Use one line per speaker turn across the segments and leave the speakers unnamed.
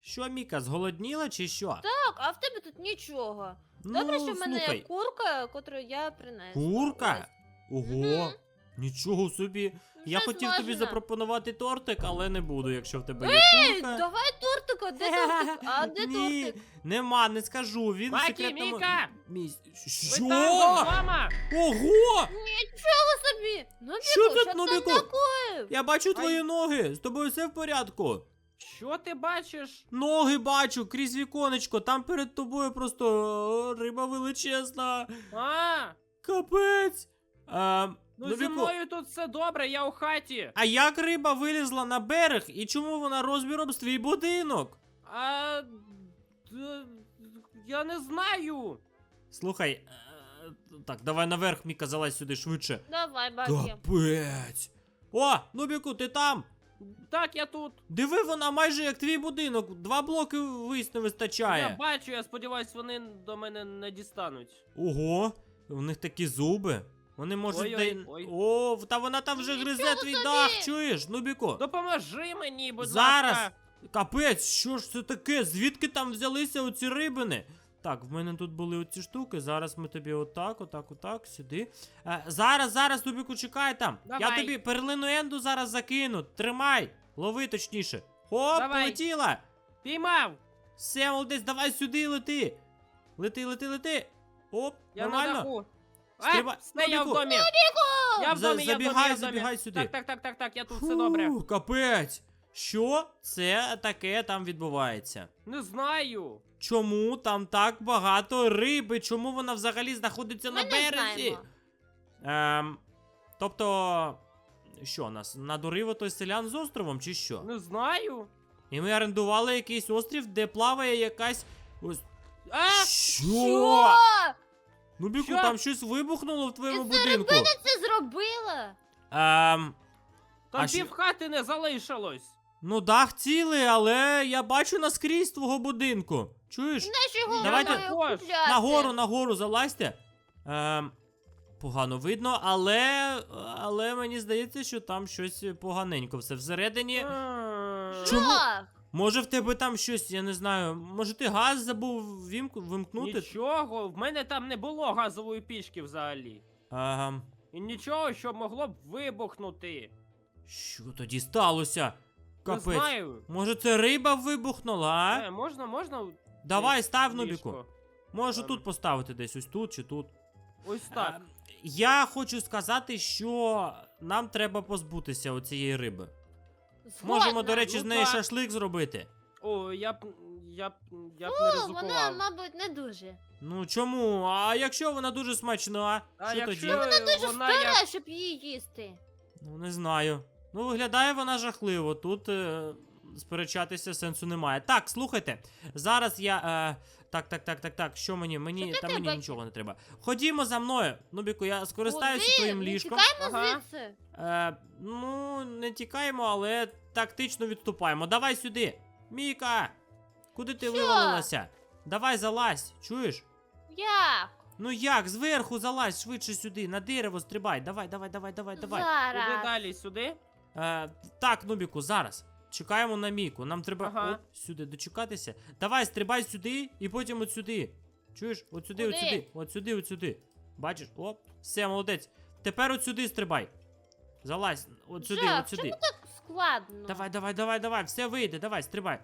Що, Міка, зголодніла чи що?
Так, а в тебе тут нічого.
Ну,
Добре, що в мене
слухай,
є курка, яку я принесла.
курка? Ого,
Мгм.
нічого собі. Я
Вже
хотів тобі
смажена.
запропонувати тортик, але не буду, якщо в тебе є
Ей,
курка.
давай тортика, де тортик? А де
Ні,
тортик?
нема, не скажу. Він в
Макі,
секретному
Міка!
Що?
Ви там вдома?
Ого!
Нічого собі! Нубіку,
Що тут,
що
Нубіку?
там такое?
Я бачу твої ноги. З тобою все в порядку.
Що ти бачиш?
Ноги бачу крізь віконечко. Там перед тобою просто риба величезна.
А,
Капець.
ну зі
Нубіку,
мною тут все добре, я у хаті.
а як риба вилізла на берег і чому вона розміром з твій будинок?
А, я не знаю.
Слухай, так, давай наверх, Міка, залазь сюди швидше.
Давай, Бакі.
Капець. О, Нубіку, ти там?
Так, я тут.
Диви, вона майже як твій будинок. 2 блоки вись не
Я
вистачає.
бачу, я сподіваюсь, вони до мене не дістануть.
Ого, у них такі зуби. Вони можуть.
Ой-ой, ой.
О, та вона там вже
Нічого
гризе твій
собі!
дах, чуєш, Нубіку?
Допоможи мені, будь
Зараз.
ласка.
Капець, що ж це таке? Звідки там взялися оці рибини? Так, в мене тут були оці штуки. Зараз ми тобі отак, сюди. Зараз, Нубіку, чекай там. Я
Давай.
тобі перлину енду зараз закину. Тримай. Лови точніше. Хоп,
Давай.
полетіла.
Піймав.
Все, молодець, давай сюди лети. Лети. Оп,
Я на
нормально.
даху.
Стрибай.
Все, я в
Нубіку.
домі. Я в домі,
Забігай сюди.
Так, я тут, все добре.
Фу, капець. Що це таке там відбувається?
Не знаю.
Чому там так багато риби? Чому вона взагалі знаходиться
Ми
на
не
березі?
знаємо.
Тобто, що нас надурив той селян з островом, чи що?
Не знаю.
І ми орендували якийсь острів, де плаває якась. Ось.
А!
Що? Ну, Біку,
Що?
там щось вибухнуло в твоєму
Це
будинку.
рибина це зробила.
Ем,
Там
А що-
пів хати не залишилось.
ну дах цілий, але я бачу наскрізь твого будинку. Чуєш?
Знаєш, його
Давайте-
можна
Також.
купляти.
Нагору залазьте. Погано видно, але мені здається, що там щось поганенько все всередині. Чому?
Жах.
Може в тебе там щось, я не знаю, може ти газ забув вимкнути?
Нічого, в мене там не було газової пічки взагалі. І нічого, що могло б вибухнути.
Що тоді сталося?
Не
Капець.
знаю.
Може це риба вибухнула, а?
Можна?
Давай, став,
ліжко?
Нубіку. Можу тут поставити десь, ось тут чи тут.
Ось так.
Я хочу сказати, що нам треба позбутися оцієї риби. Можемо,
Згодна.
до речі, з
Ну
неї
так.
шашлик зробити.
О, я б не
Вона,
ризикував.
мабуть, не дуже.
Ну чому? А якщо вона дуже смачна,
А
що
якщо
тоді?
Дуже
вона як...
стара, щоб її їсти.
Ну не знаю. Ну виглядає вона жахливо. Тут сперечатися сенсу немає. Так, слухайте. Зараз я. Так. Що мені? Мені
Що
та
таке,
мені
Бакі?
нічого не треба. Ходімо за мною. Нубіку, я скористаюся
Куди?
твоїм
Не
ліжком.
Тікаємо
Ага.
звідси.
Ну, не тікаємо, але тактично відступаємо. Давай сюди. Міка! Куди ти
Що?
вивалилася? Давай залазь, чуєш?
Як?
Ну як, зверху залазь швидше сюди, на дерево стрибай. Давай.
Куди
Зараз.
далі? Сюди?
Так, Нубіку, зараз. Чекаємо на Міку. Нам треба
Ага.
сюди дочекатися. Давай, стрибай сюди і потім от сюди. Чуєш? От сюди,
Куди?
от сюди. Бачиш? Оп, все, молодець. Тепер от сюди стрибай. Залазь, от сюди,
Жах,
от сюди.
чому так складно?
Давай, все вийде, давай, стрибай.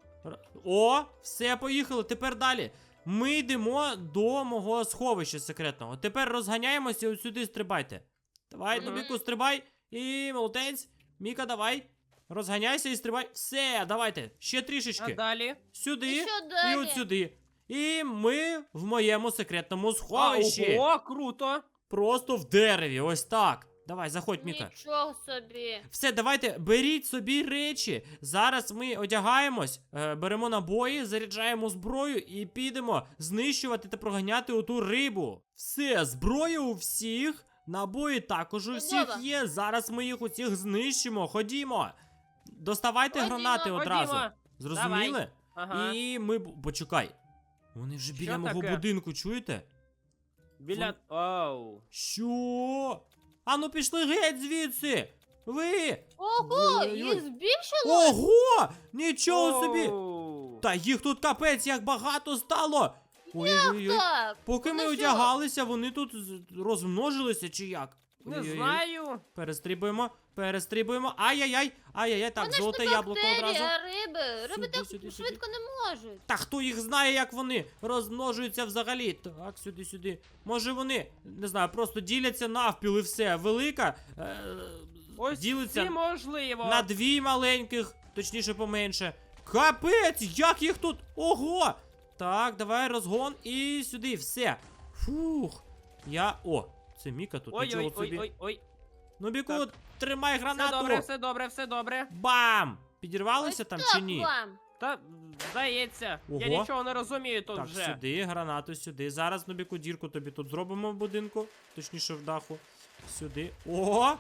О, все, поїхали, тепер далі. Ми йдемо до мого сховища секретного. Тепер розганяємося і от сюди стрибайте. Давай,
Мгм.
Нубіку, стрибай. І молодець. Міка, давай. Розганяйся і стрибай. Все, давайте. Ще
А
трішечки.
далі?
Сюди
І що
і
далі?
от сюди. І ми в моєму секретному сховищі.
Ого, круто!
Просто в дереві, ось так. Давай, заходь, Міка.
Нічого собі.
Все, давайте, беріть собі речі. Зараз ми одягаємось, беремо набої, заряджаємо зброю і підемо знищувати та проганяти оту рибу. Все, зброя у всіх, набої також у всіх
Чудово.
є. Зараз ми їх усіх знищимо. Ходімо. Доставайте
Ходімо.
гранати одразу.
Ходімо.
Зрозуміли?
Ага.
І ми. Почекай. Вони вже біля
Що
мого
таке?
будинку, чуєте?
Біля... Оу.
Що? Ану пішли геть звідси! Ви!
Ого,
Ой-ой-ой.
їх збільшило?
Ого! Нічого собі!
Оу.
Та їх тут капець, як багато стало! Ой-ой-ой.
Так.
Поки ми
Вони що?
одягалися, вони тут розмножилися чи як?
Не
Ой-ой-ой.
знаю.
Перестрибуємо. Ай-яй-яй, так,
Вони ж
золоте
не
яблуко
бактерії,
одразу.
а риби. Риби
Сюди,
так
сюди,
швидко не можуть.
Та хто їх знає, як вони розмножуються взагалі? Так, сюди. Може вони, не знаю, просто діляться навпіл і все. Велика
Ось
ділиться
ці можливо.
на дві маленьких, точніше поменше. Капець, як їх тут? Ого! Так, давай розгон і сюди, все. Фух. О, це Міка тут, нічого собі.
Ой.
Ну, Біку,
Так.
тримай
Все
гранату.
добре, все добре, все добре.
Бам! Підірвалися
Ось
там
так
чи ні?
вам.
Та, здається, я
Ого.
нічого не розумію тут
Так,
вже.
сюди, гранату сюди. Зараз, Нубіку, дірку тобі тут зробимо в будинку. Точніше, в даху. Сюди. Ого!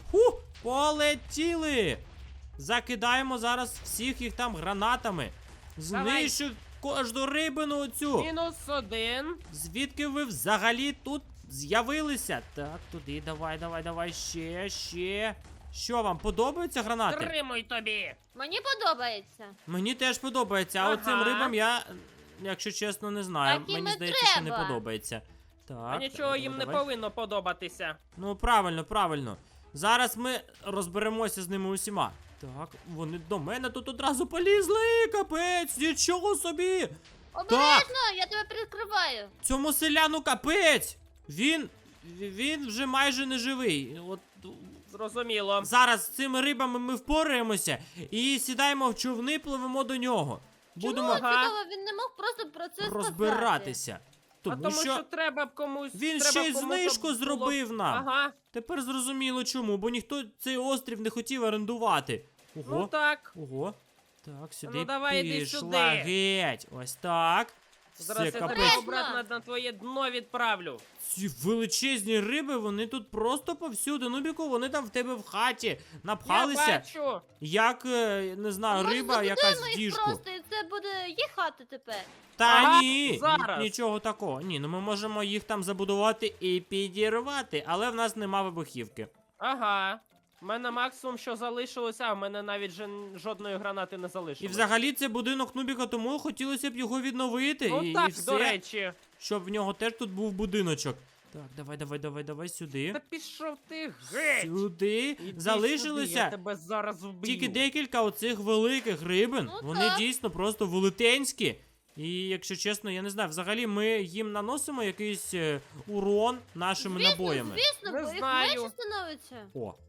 Полетіли! Закидаємо зараз всіх їх там гранатами.
Давай.
Знищу кожну рибину оцю.
-1.
Звідки ви взагалі тут з'явилися? Так, туди, давай, ще. Що вам, подобаються гранати?
Тримуй тобі.
Мені подобається.
Мені теж подобається, а
Ага.
оцим рибам я, якщо чесно, не знаю.
Так їм
Мені
і
здається, що не
треба.
подобається. Так.
А нічого їм не
давай.
повинно подобатися.
Ну, правильно. Зараз ми розберемося з ними усіма. Так, вони до мене тут одразу полізли, капець, нічого собі!
Обережно, я тебе прикриваю.
Цьому селяну капець! Він вже майже не живий. От
Зрозуміло.
зараз з цими рибами ми впораємося і сідаємо в човни, пливемо до нього. Будемо
Чому цікаво, він не мог просто про це сказати?
розбиратися.
Тому що треба б комусь.
він
треба
ще й
комусь
знижку
було-
зробив нам.
Ага.
Тепер зрозуміло чому, бо ніхто цей острів не хотів орендувати.
Ну
Ого,
так.
ого. Так, сюди
Ну, давай, іди
пішла
сюди.
геть. Ось так.
Зараз
Все,
я тебе
капець.
обратно на твоє дно відправлю.
Ці величезні риби, вони тут просто повсюди. Нубіку, вони там в тебе в хаті
Я
напхалися,
бачу.
як, не знаю,
Може,
риба
забудемо
якась в
їх
діжку.
просто, і це буде їхати тепер.
Та
Ага,
ні,
зараз.
нічого такого. Ні, ну ми можемо їх там забудувати і підірвати, але в нас нема вибухівки.
Ага. У мене максимум, що залишилося, а в мене навіть жодної гранати не
І
залишилось.
взагалі це будинок Нубіка, тому хотілося б його відновити.
Ну
і
так,
все,
до речі.
щоб в нього теж тут був будиночок. Так, давай сюди.
Та пішов ти геть.
Сюди.
Іди сюди,
Залишилося
я тебе зараз вб'ю.
тільки декілька оцих великих рибин.
Ну
Вони
так.
дійсно просто велетенські. І якщо чесно, я не знаю, взагалі ми їм наносимо якийсь урон нашими набоями.
Звісно,
Не
бо їх
знаю.
менше становиться.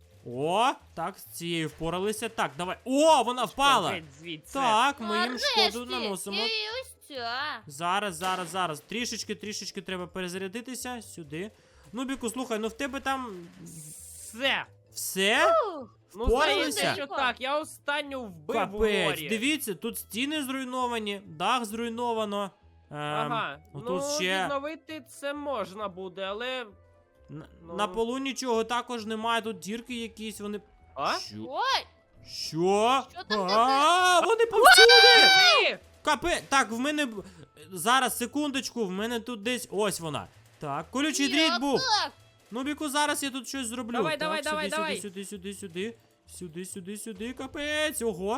О, так, з цією впоралися. Так, давай. О, вона впала!
Геть звідси.
Так, ми їм
Нарешті.
шкоду наносимо.
І ось ця.
Зараз. Трішечки треба перезарядитися сюди. Нубіку, слухай, ну в тебе там
Все.
все?
Ух,
Ну,
Впоралися?
здається, що так. Я останню вбив у
Капець,
морі.
дивіться, тут стіни зруйновані, дах зруйновано.
Ага.
отут
Ну,
ще
відновити це можна буде, але... ну.
на полу нічого також немає, тут дірки якісь, вони.
А?
Що?
Ой,
Що?
Що там
Вони повсюди!
Ні!
Капе, так, в мене зараз, секундочку, в мене тут десь ось вона. Так, колючий дріт
як
був.
так?
Нубіку, зараз я тут щось зроблю.
Давай,
так,
давай, давай.
Сюди, капець. Ого.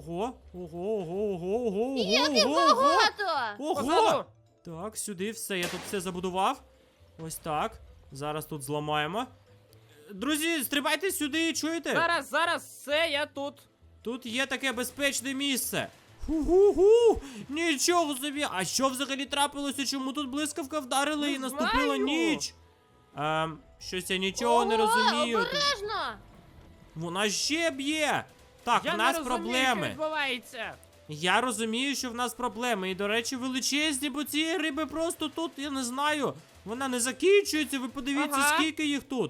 Як багато!
Ого.
Позаду.
Так, сюди все, я тут все забудував. Ось так. Зараз тут зламаємо. Друзі, стрибайте сюди, чуєте?
Зараз, все, я тут.
Тут є таке безпечне місце. Ху-ху-ху! Нічого собі! А що взагалі трапилося? Чому тут блискавка вдарила
Не
і наступила
знаю.
ніч? Щось я нічого не розумію.
Обережно!
Вона ще б'є! Так,
Я
в нас
не розумію,
проблеми.
що відбувається.
Я розумію, що в нас проблеми. І, до речі, величезні, бо ці риби просто тут, я не знаю. Вона не закінчується, ви подивіться,
Ага.
скільки їх тут.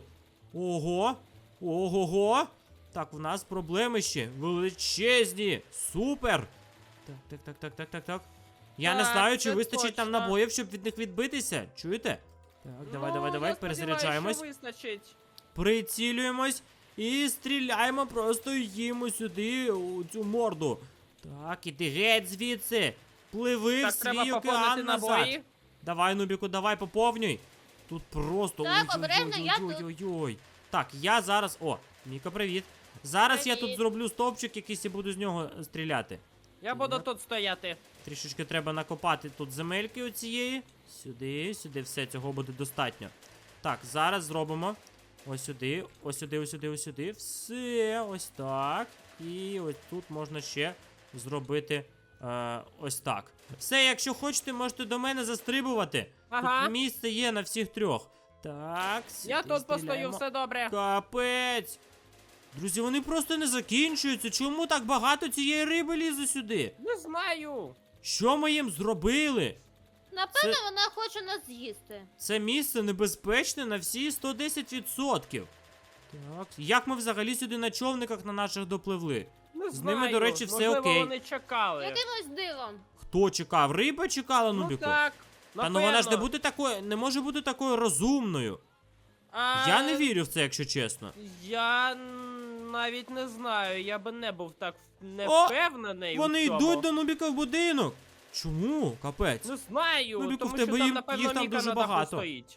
Ого. Так, в нас проблеми ще. Величезні. Супер. Так. Я не
Так,
знаю, чи
це
вистачить нам
точно.
набоїв, щоб від них відбитися. Чуєте? Так, давай,
я
перезаряджаємось.
сподіваюся, що вистачить.
Прицілюємось і стріляємо просто їмо сюди у цю морду. Так, іди геть звідси. Пливи
Так,
в
треба
свій
поповнити
океан назад.
набої.
Давай, Нубіку, давай поповнюй. Тут просто.
Так,
ой-ой-ой-ой-ой-ой.
обережно, я тут.
Ой-ой-ой. Так, я зараз. О, Міка, привіт. Зараз я тут
Привіт.
зроблю стовпчик якийсь і буду з нього стріляти.
Я буду тут стояти.
Трішечки треба накопати тут земельки оцієї. Сюди, сюди, все, цього буде достатньо. Так, зараз зробимо. Ось сюди, ось сюди, ось сюди, ось сюди. Все, ось так. І ось тут можна ще зробити ось так. Все, якщо хочете, можете до мене застрибувати.
Ага.
Тут місце є на всіх трьох. Так,
Я
сюди
тут постою,
стріляємо.
все добре.
Капець. Друзі, вони просто не закінчуються. Чому так багато цієї риби лізе сюди?
Не знаю.
Що ми їм зробили?
Напевно, вона хоче нас з'їсти.
Це місце небезпечне на всі 110%. Так, як ми взагалі сюди на човниках на наших допливли?
Не
З
знаю.
ними, до речі, все
Можливо,
окей.
вони чекали.
Якимось дивом.
Хто чекав? Риба чекала,
Ну
Нубіку?
так.
Та ну вона ж не
напевно.
буде такою, не може бути такою розумною.
А,
Я не вірю в це, якщо чесно.
Я навіть не знаю, я би не був так не
О,
впевнений.
Вони
у цьому.
йдуть до Нубіка в будинок. Чому? Капець.
Не знаю,
Ну, Біку,
тому
в тебе
що там,
їм-
напевно,
їх там
Міка
дуже
на даху
багато.
стоїть.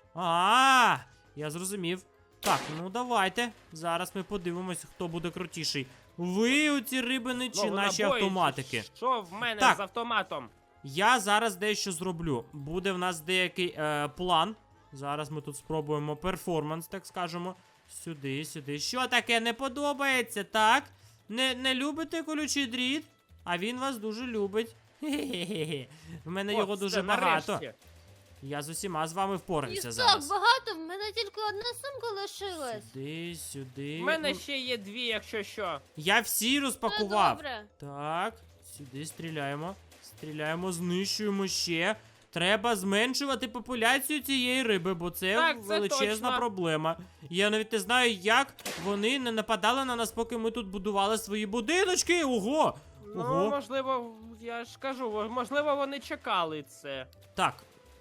Я зрозумів. Так, ну давайте. Зараз ми подивимось, хто буде крутіший. Ви оці рибини чи
Ну,
наші
набої,
автоматики?
Що в мене
Так.
з автоматом?
Я зараз дещо зроблю. Буде в нас деякий план. Зараз ми тут спробуємо перформанс, так скажемо. Сюди, сюди. Що таке не подобається, так? Не любите колючий дріт? А він вас дуже любить. Хе-хе-хе. В мене
О,
його
все,
дуже багато.
нарешті.
Я з усіма з вами
І
впорався
так
зараз.
багато, в мене тільки одна сумка лишилась.
Сюди, сюди.
В мене
Ну,
ще є дві, якщо що.
Я всі
Ну,
розпакував.
добре.
Так, сюди стріляємо. Стріляємо, знищуємо ще. Треба зменшувати популяцію цієї риби, бо це
Так, це
величезна
точно.
проблема. Я навіть не знаю, як вони не нападали на нас, поки ми тут будували свої будиночки. Ого!
Ну,
Ого.
можливо, я ж кажу, можливо, вони чекали це.
Так.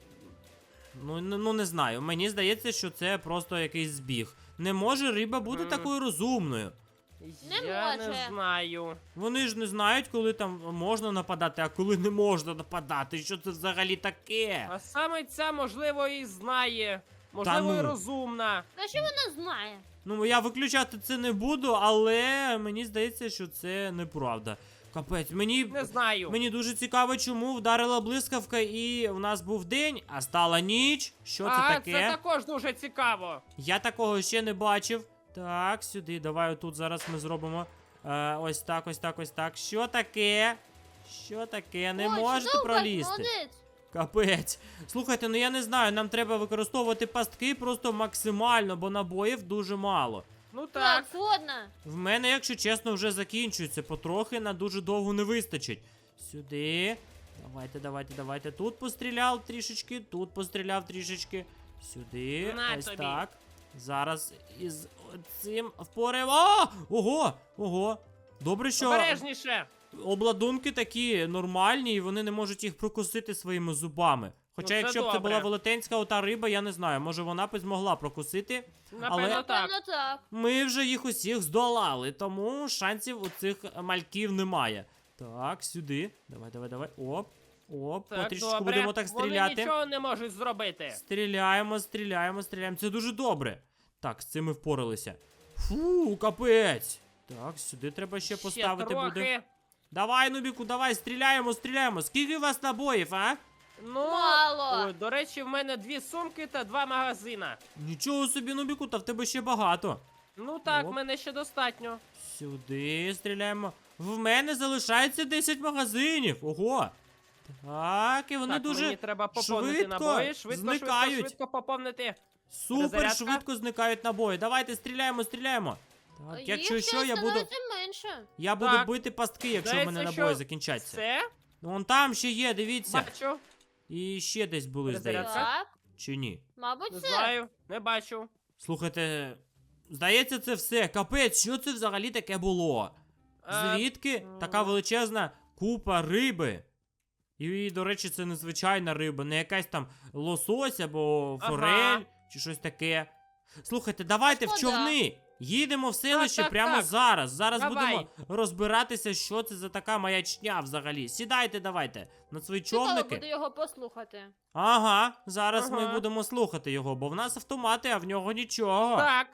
Ну, не знаю. Мені здається, що це просто якийсь збіг. Не може риба бути
Мгм.
такою розумною.
Не
Я
може.
не знаю.
Вони ж не знають, коли там можна нападати, а коли не можна нападати. Що це взагалі таке?
А саме ця, можливо, і знає. Можливо,
ну.
і розумна.
А що вона знає?
Ну, я виключати це не буду, але мені здається, що це неправда. Капець,
Не знаю.
мені дуже цікаво, чому вдарила блискавка і у нас був день, а стала ніч. Що це таке?
Це також дуже цікаво.
Я такого ще не бачив. Так, сюди, давай отут зараз ми зробимо. Ось так, ось так, ось так. Що таке? Що таке? Не
Ой,
можете
чудово,
пролізти.
молодець.
Капець. Слухайте, ну я не знаю, нам треба використовувати пастки просто максимально, бо набоїв дуже мало.
Ну
Так,
так.
згодна.
В мене, якщо чесно, вже закінчується. Потрохи на дуже довго не вистачить. Сюди. Давайте. Тут постріляв трішечки, тут постріляв трішечки. Сюди.
На
Ось
тобі.
так. Зараз із цим впораємо. Ого. Добре, що
Обережніше.
обладунки такі нормальні, і вони не можуть їх прокусити своїми зубами. Хоча,
це
якщо б це
добре.
була велетенська ота риба, я не знаю, може вона б змогла прокусити.
Напевно,
Але-
так.
Напевно, так.
Ми вже їх усіх здолали, тому шансів у цих мальків немає. Так, сюди. Давай. Оп.
Так,
Потрішечку
добре.
будемо так
Вони
стріляти.
нічого не можуть зробити.
Стріляємо. Це дуже добре. Так, з цим ми впоралися. Фу, капець. Так, сюди треба ще поставити
трохи.
буде. Давай, Нубіку, давай, стріляємо. Скільки у вас набоїв, а?
Ну,
Мало.
ой, до речі, в мене 2 сумки та 2 магазина.
Нічого собі, Нубіку, та в тебе ще багато.
Ну так,
Оп.
в мене ще достатньо.
Сюди стріляємо. В мене залишається 10 магазинів. Ого. Так, і вони
так,
дуже
мені треба поповнити
швидко
набої. Швидко
зникають.
поповнити.
Супер
Перезарядка.
швидко зникають набої. Давайте стріляємо. Так,
Їх
якщо
ще
що, я буду
становиться менше.
Так.
бити пастки, якщо в
Здається,
мене
що
набої закінчаться.
Все,
Ну, вон там ще є, дивіться.
бачу.
І ще десь були,
Перезарядка.
здається.
Так,
Чи ні?
мабуть,
Не
це.
знаю, не бачу.
Слухайте, здається, це все. Капець, що це взагалі таке було? Звідки така величезна купа риби? І, до речі, це незвичайна риба, не якась там лосось або
Ага.
форель, чи щось таке. Слухайте, давайте в
Шкода.
човни. Їдемо в селище
так,
прямо
так.
зараз. Зараз
Давай.
будемо розбиратися, що це за така маячня взагалі. Сідайте, давайте на свої
Цікаво
човники.
буде його послухати.
Ага, зараз ми
Ага.
будемо слухати його, бо в нас автомати, а в нього нічого.
Так,